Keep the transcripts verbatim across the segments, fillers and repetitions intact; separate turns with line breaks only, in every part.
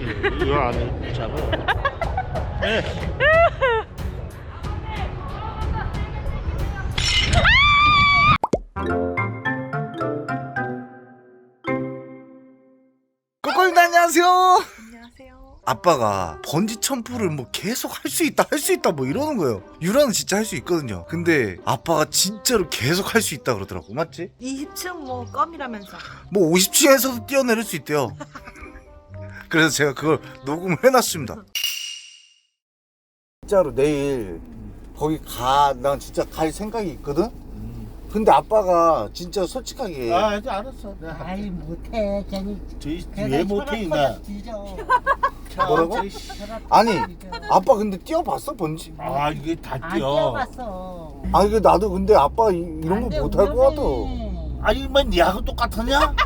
이거 안에 잡아. 네.
꼬꼬님 안녕하세요.
안녕하세요.
아빠가 번지 점프를 뭐 계속 할 수 있다 할 수 있다 뭐 이러는 거예요. 유라는 진짜 할 수 있거든요. 근데 아빠가 진짜로 계속 할 수 있다 그러더라고. 맞지?
이십 층 뭐 껌이라면서.
뭐 오십 층에서도 뛰어내릴 수 있대요. 그래서 제가 그걸 녹음을 해놨습니다. 진짜로 내일 거기 가, 난 진짜 갈 생각이 있거든? 근데 아빠가 진짜 솔직하게
아, 이제 알았어. 내가
아이 못해 괜히
저희 왜 못해 이나.
뒤져.
뭐라고? 아니 아빠 근데 뛰어봤어 번지?
아, 이게 다
안
뛰어.
뛰어봤어.
아니 그 나도 근데 아빠 이, 이런 거 못할 것 같아.
아니, 뭐 니하고 똑같았냐?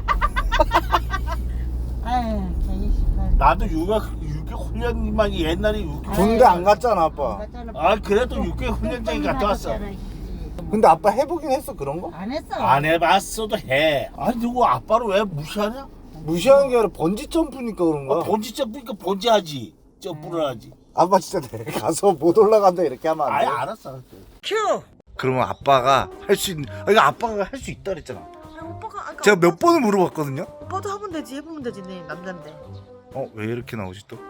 아유 괜히 시간.
나도 육아 육개 훈련만 옛날에 육개.
군대 안 갔잖아 아빠.
아, 그래도 육개 훈련장에 갔다 왔어.
근데 아빠 해보긴 했어 그런 거?
안 했어.
안 해봤어도 해. 아니, 누구 아빠를 왜 무시하냐?
무시하는 게 아니라 번지 점프니까 그런 거야.
아, 번지 점프니까 번지 하지. 점프를 하지.
아빠 진짜 내가 가서 못 올라간다 이렇게 하면 안
아예
돼?
알았어.
큐.
그러면 아빠가 할 수 있는 아 이거 아빠가 할 수 있다 그랬잖아.
아, 오빠가 아까
제가 몇 번을 물어봤거든요.
오빠도 하면 되지 해보면 되지 네 남잔데.
어 왜 이렇게 나오지 또?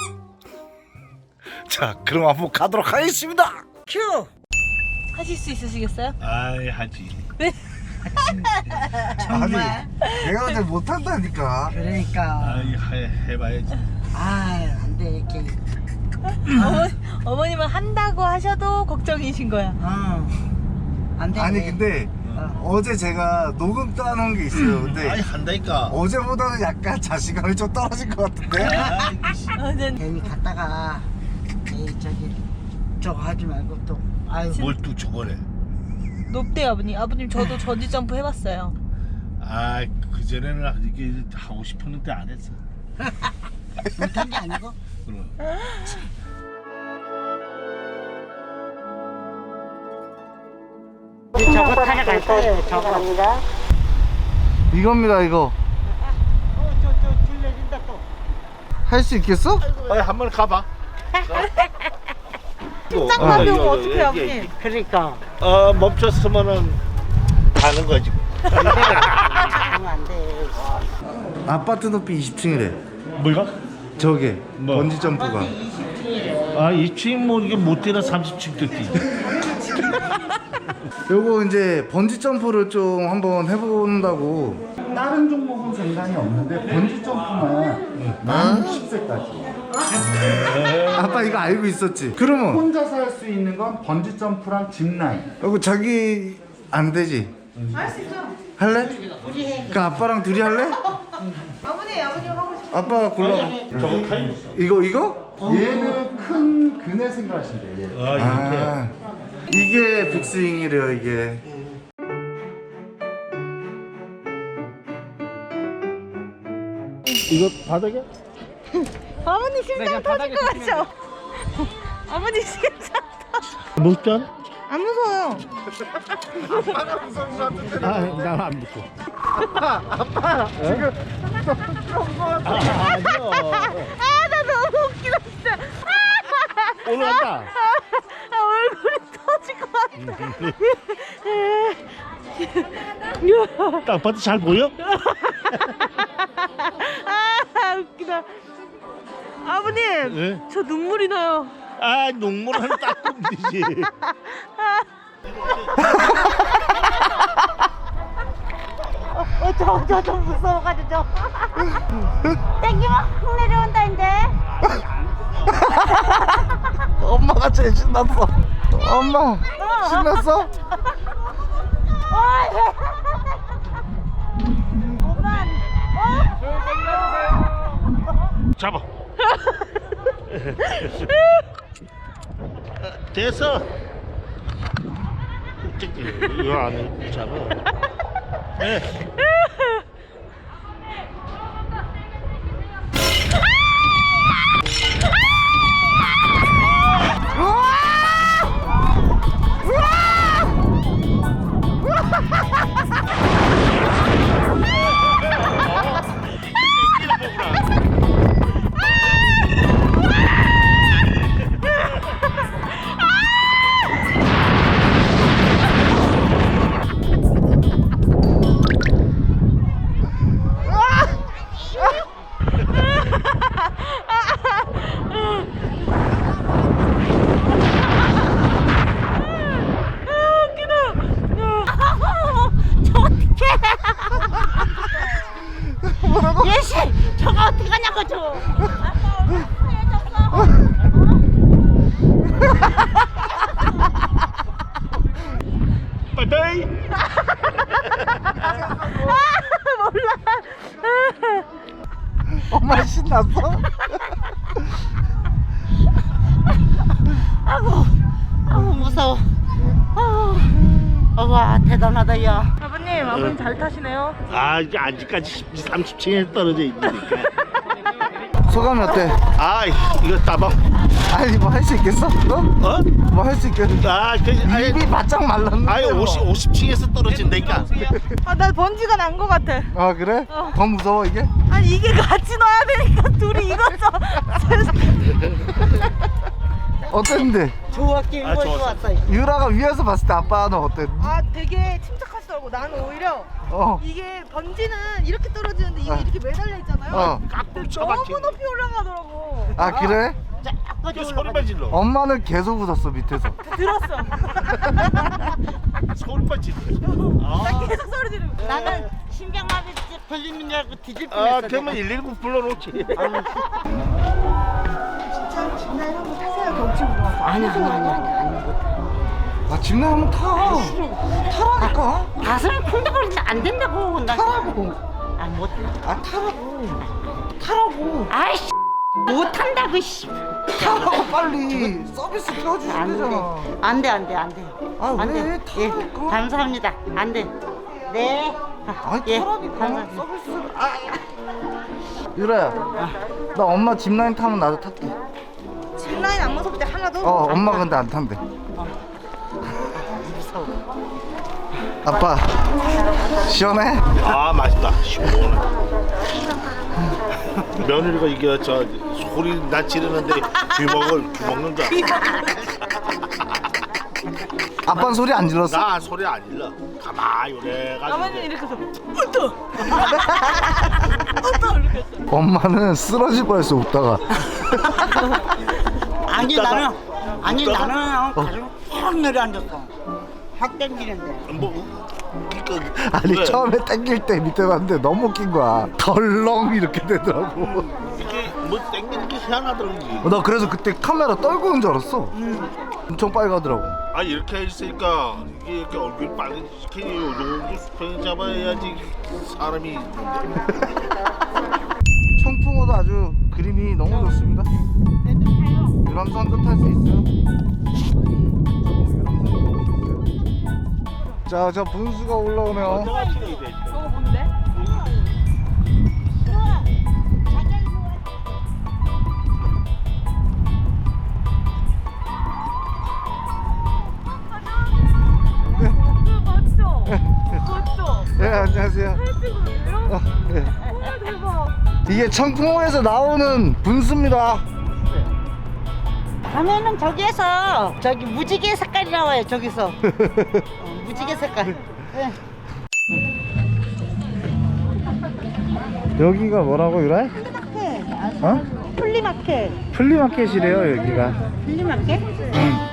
자 그럼 한번 가도록 하겠습니다.
큐. 하실 수 있으시겠어요?
아이, 하지.
정말.
내가 근데 못한다니까.
그러니까.
아이, 해, 해봐야지.
아유 안돼 이렇게.
어머니, 어머님은 한다고 하셔도 걱정이신 거야.
응. 안돼.
아니 근데 어제 제가 녹음 따놓은 게 있어요. 근데
아니, 한다니까.
어제보다는 약간 자신감이 좀 떨어진 것 같은데?
아이, 씨.
아, 네.
괜히 갔다가 에이 저기 저거 하지 말고 또. 아유.
뭘 또 저거래.
높대요 아버님. 아버님 저도 전지 점프 해봤어요.
아, 그전에는 이게 하고 싶었는데 안 했어.
못한 게 아니고.
그럼.
저거 타려갈 거예요. 저거.
이겁니다 이거.
어저저줄 내린다 또.
할 수 있겠어?
아니, 한번 가봐.
짱만 배우면
어,
어떡해
여-
아버님.
여기.
그러니까.
어, 멈췄으면은 가는 거지.
하면 안 돼.
아파트 높이 이십 층이래.
뭐가?
저게
뭐?
번지 점프가.
아, 이 층 뭐 이게 못 뛰나 삼십 층 뛰지.
요거 이제 번지 점프를 좀 한번 해본다고.
다른 종목은 상관이 없는데 번지 점프만 만 육십 세까지
아빠 이거 알고 있었지? 그러면
혼자서 할 수 있는 건 번지 점프랑 짚라인.
이거 자기 안 되지?
할 수 있죠.
할래? 그 아빠랑 둘이 할래?
아버님 아버님 하고 싶어.
아빠 골라.
저거 타임.
이거 이거?
얘는 큰 그네 생각하시면 돼요. 얘.
아, 이렇게.
아 이게 빅스윙이래요 이게.
이거 바닥에?
아버님 심장 터질 것 같죠? 아버님 심장.
무섭지 않아?
안 무서워요.
아, 난 안 무서워.
아빠 지금
아, 아니요.
아 나 너무 웃기다 진짜.
올라갔다.
아 얼굴이 터질 것 같아.
딱 봐도 잘 보여?
아 웃기다. 아버님
예?
저 눈물이 나요.
아, 눈물은 닦으면 되지.
어, 저, 저, 좀 무서워가지고, 저. 땡기면 확 내려온다, 이제.
엄마가 제일 신났어. 엄마 신났어?
오만,
잡아. 됐어. 저기, 이거 안에 잡아. 네.
거 줘. 아빠 얼굴 하얘졌어.
빠이빠이.
엄마 신났어?
아이고, 아이고 무서워. 아이고, 와 대단하다 야.
아버님, 아버님 잘 타시네요.
아 이게 아직까지 삼십 층에 떨어져 있으니까.
소감이 어때?
아 이거 따봐.
아니 뭐 할 수 있겠어? 너?
어?
뭐 할 수 있겠어?
아 그, 아예
입이 바짝 말랐는데
아예
뭐.
오십 오십 층에서 떨어진다니까.
아, 나 번지가 난 거 같아.
아 그래? 더 무서워 이게?
아니, 이게 같이 넣어야 되니까 둘이 이거서.
어땠는데?
좋았게
아,
이거
좋았어.
좋았어.
유라가 위에서 봤을 때 아빠는 어땠는데?
아, 되게 침착하시더라고. 나는 오히려
어.
이게 번지는 이렇게 떨어지는데 이게
어.
이렇게 매달려 있잖아요.
어.
깍불
너무
쳐박힌.
높이 올라가더라고.
아 그래?
그 소리만 질러.
엄마는 계속 웃었어 밑에서.
들었어.
소리만 질러.
나
아,
계속 소리 지르고.
나는 심장마비 걸리는 줄 알고 뒤질
아
뻔했어.
그러면 일일구 불러놓지.
아니 아니 아니 아니 아니 못해.
아 집내 한번 타. 타라니까.
가슴이 쿵덕거리지 안 된다고. 나
타라고.
아 못해.
아 타라고. 타라고.
아이씨 못한다고 씨.
타라고 빨리. 서비스 켜주시면
안 돼.
되잖아.
안 돼, 안 돼, 안 돼.
아,
안
왜?
돼. 예,
타라니까.
감사합니다. 안 돼. 네.
아니
예,
타라니까.
감사합니다.
서비스. 아. 유라야. 나 엄마 짚라인 타면 나도 탈게.
짚라인 안 무섭대 하나도?
어 엄마 근데 안 탄대. 아빠 시원해?
아 맛있다. 시원해. 며느리가 이게 저 소리 나 지르는데 귀먹을 귀먹는다.
아빠는 소리 안 질렀어?
나 소리 안 질러. 가만히 이래가지고.
아버님 이렇게 해서 울떠.
엄마는 쓰러질 뻔했어 웃다가.
아니
웃다가-
나는 아니
웃다가-
나는 가슴 확 내려앉았어. 확 땡기는데.
뭐 그러니까
아니
왜?
처음에 땡길 때 밑에 봤는데 너무 웃긴 거야. 덜렁 이렇게 되더라고.
이게 뭐 땡기는 게 희한하더라고.
나 그래서 그때 카메라 떨고 온 줄 알았어. 엄청 빨가더라고.
아 이렇게 있으니까 이게 이렇게 얼굴 빨개지게 요 정도 수평 잡아야지 사람이 있는데.
청풍호도 아주 그림이 너무 좋습니다. 유람선도 탈 수 있어요. 자, 저 분수가 올라오네요.
저거 뭔데? 맞죠? 맞죠?
네, 안녕하세요.
찍어요?
어, 네.
와, 대박.
이게 청풍호에서 나오는 분수입니다.
밤에는 저기에서 저기 무지개 색깔이 나와요. 저기서 어, 무지개 색깔. 네.
여기가 뭐라고 유라?
플리마켓.
어?
플리마켓.
플리마켓이래요 여기가.
플리마켓?
응.